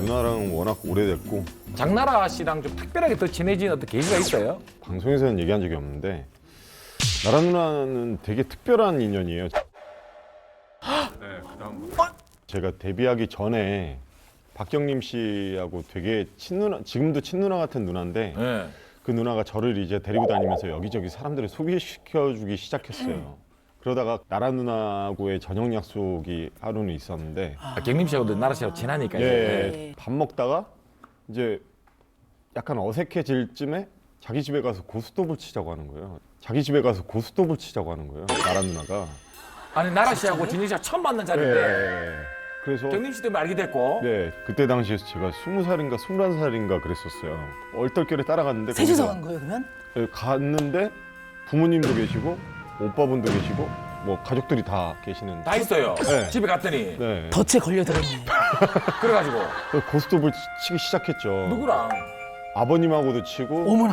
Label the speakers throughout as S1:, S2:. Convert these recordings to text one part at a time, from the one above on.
S1: 누나랑은 워낙 오래됐고
S2: 장나라 씨랑 좀 특별하게 더 친해진 어떤 계기가 있어요?
S1: 방송에서는 얘기한 적이 없는데 나라 누나는 되게 특별한 인연이에요. 제가 데뷔하기 전에 박경림 씨하고 되게 친누나, 지금도 친누나 같은 누나인데
S2: 네.
S1: 그 누나가 저를 이제 데리고 다니면서 여기저기 사람들을 소개시켜주기 시작했어요. 그러다가 나라 누나하고의 저녁 약속이 하루는 있었는데
S2: 경림 씨하고도 나라 씨하고 친하니까 이제.
S1: 예, 밥 먹다가 이제 약간 어색해질 쯤에 자기 집에 가서 고스톱을 치자고 하는 거예요. 자기 집에 가서 고스톱을 치자고 하는 거예요. 나라 누나가.
S2: 아니 나라 씨하고 진영 씨가 처음 만난 자리인데
S1: 예. 그래서
S2: 경림 씨 때문에 알게 됐고.
S1: 네, 그때 당시에 제가 20살인가 21살인가 그랬었어요. 얼떨결에 따라갔는데
S3: 셋이서
S1: 거기서
S3: 간 거예요, 그러면?
S1: 예, 갔는데 부모님도 계시고 오빠분도 계시고 뭐 가족들이 다 계시는.
S2: 다 있어요.
S1: 네.
S2: 집에 갔더니
S1: 네.
S3: 덫에 걸려들었네.
S2: 그래가지고
S1: 고스톱을 치기 시작했죠.
S2: 누구랑?
S1: 아버님하고도 치고
S3: 어머나.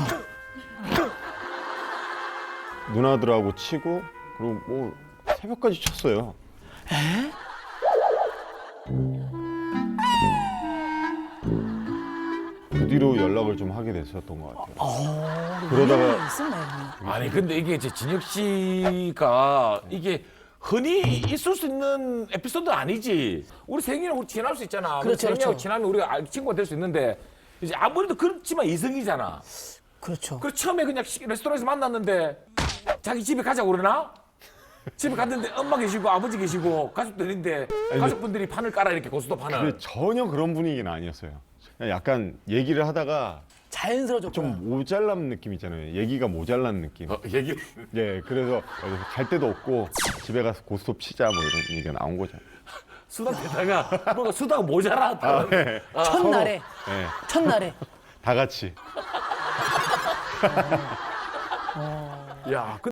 S1: 누나들하고 치고 그리고 뭐 새벽까지 쳤어요. 그 뒤로 연락을 좀 하게 됐었던 것 같아요. 그러다가
S3: 있었네.
S2: 아니 근데 이게 이제 진혁 씨가 이게 흔히 있을 수 있는 에피소드 아니지. 우리 생이랑 우리 친할 수 있잖아. 우리
S3: 그렇죠,
S2: 생이하고
S3: 그렇죠.
S2: 친하면 우리가 친구가 될 수 있는데 이제 아무래도 그렇지만 이성이잖아.
S3: 그렇죠.
S2: 그 처음에 그냥 레스토랑에서 만났는데 자기 집에 가자고 그러나? 집에 갔는데 엄마 계시고 아버지 계시고 가족들인데 가족분들이 판을 깔아 이렇게 고스톱 판을.
S1: 근데 전혀 그런 분위기는 아니었어요. 그냥 약간 얘기를 하다가
S3: 자연스러워졌구나.
S1: 좀 모자란 느낌 있잖아요. 얘기가 모자란 느낌.
S2: 얘기.
S1: 예, 그래서 갈 데도 없고 집에 가서 고스톱 치자 뭐 이런 얘기가 나온 거죠.
S2: 수다 대다가 뭔가 수다가 모자라.
S1: 네.
S3: 첫날에.
S1: 네,
S3: 첫날에.
S1: 다 같이.
S2: 야.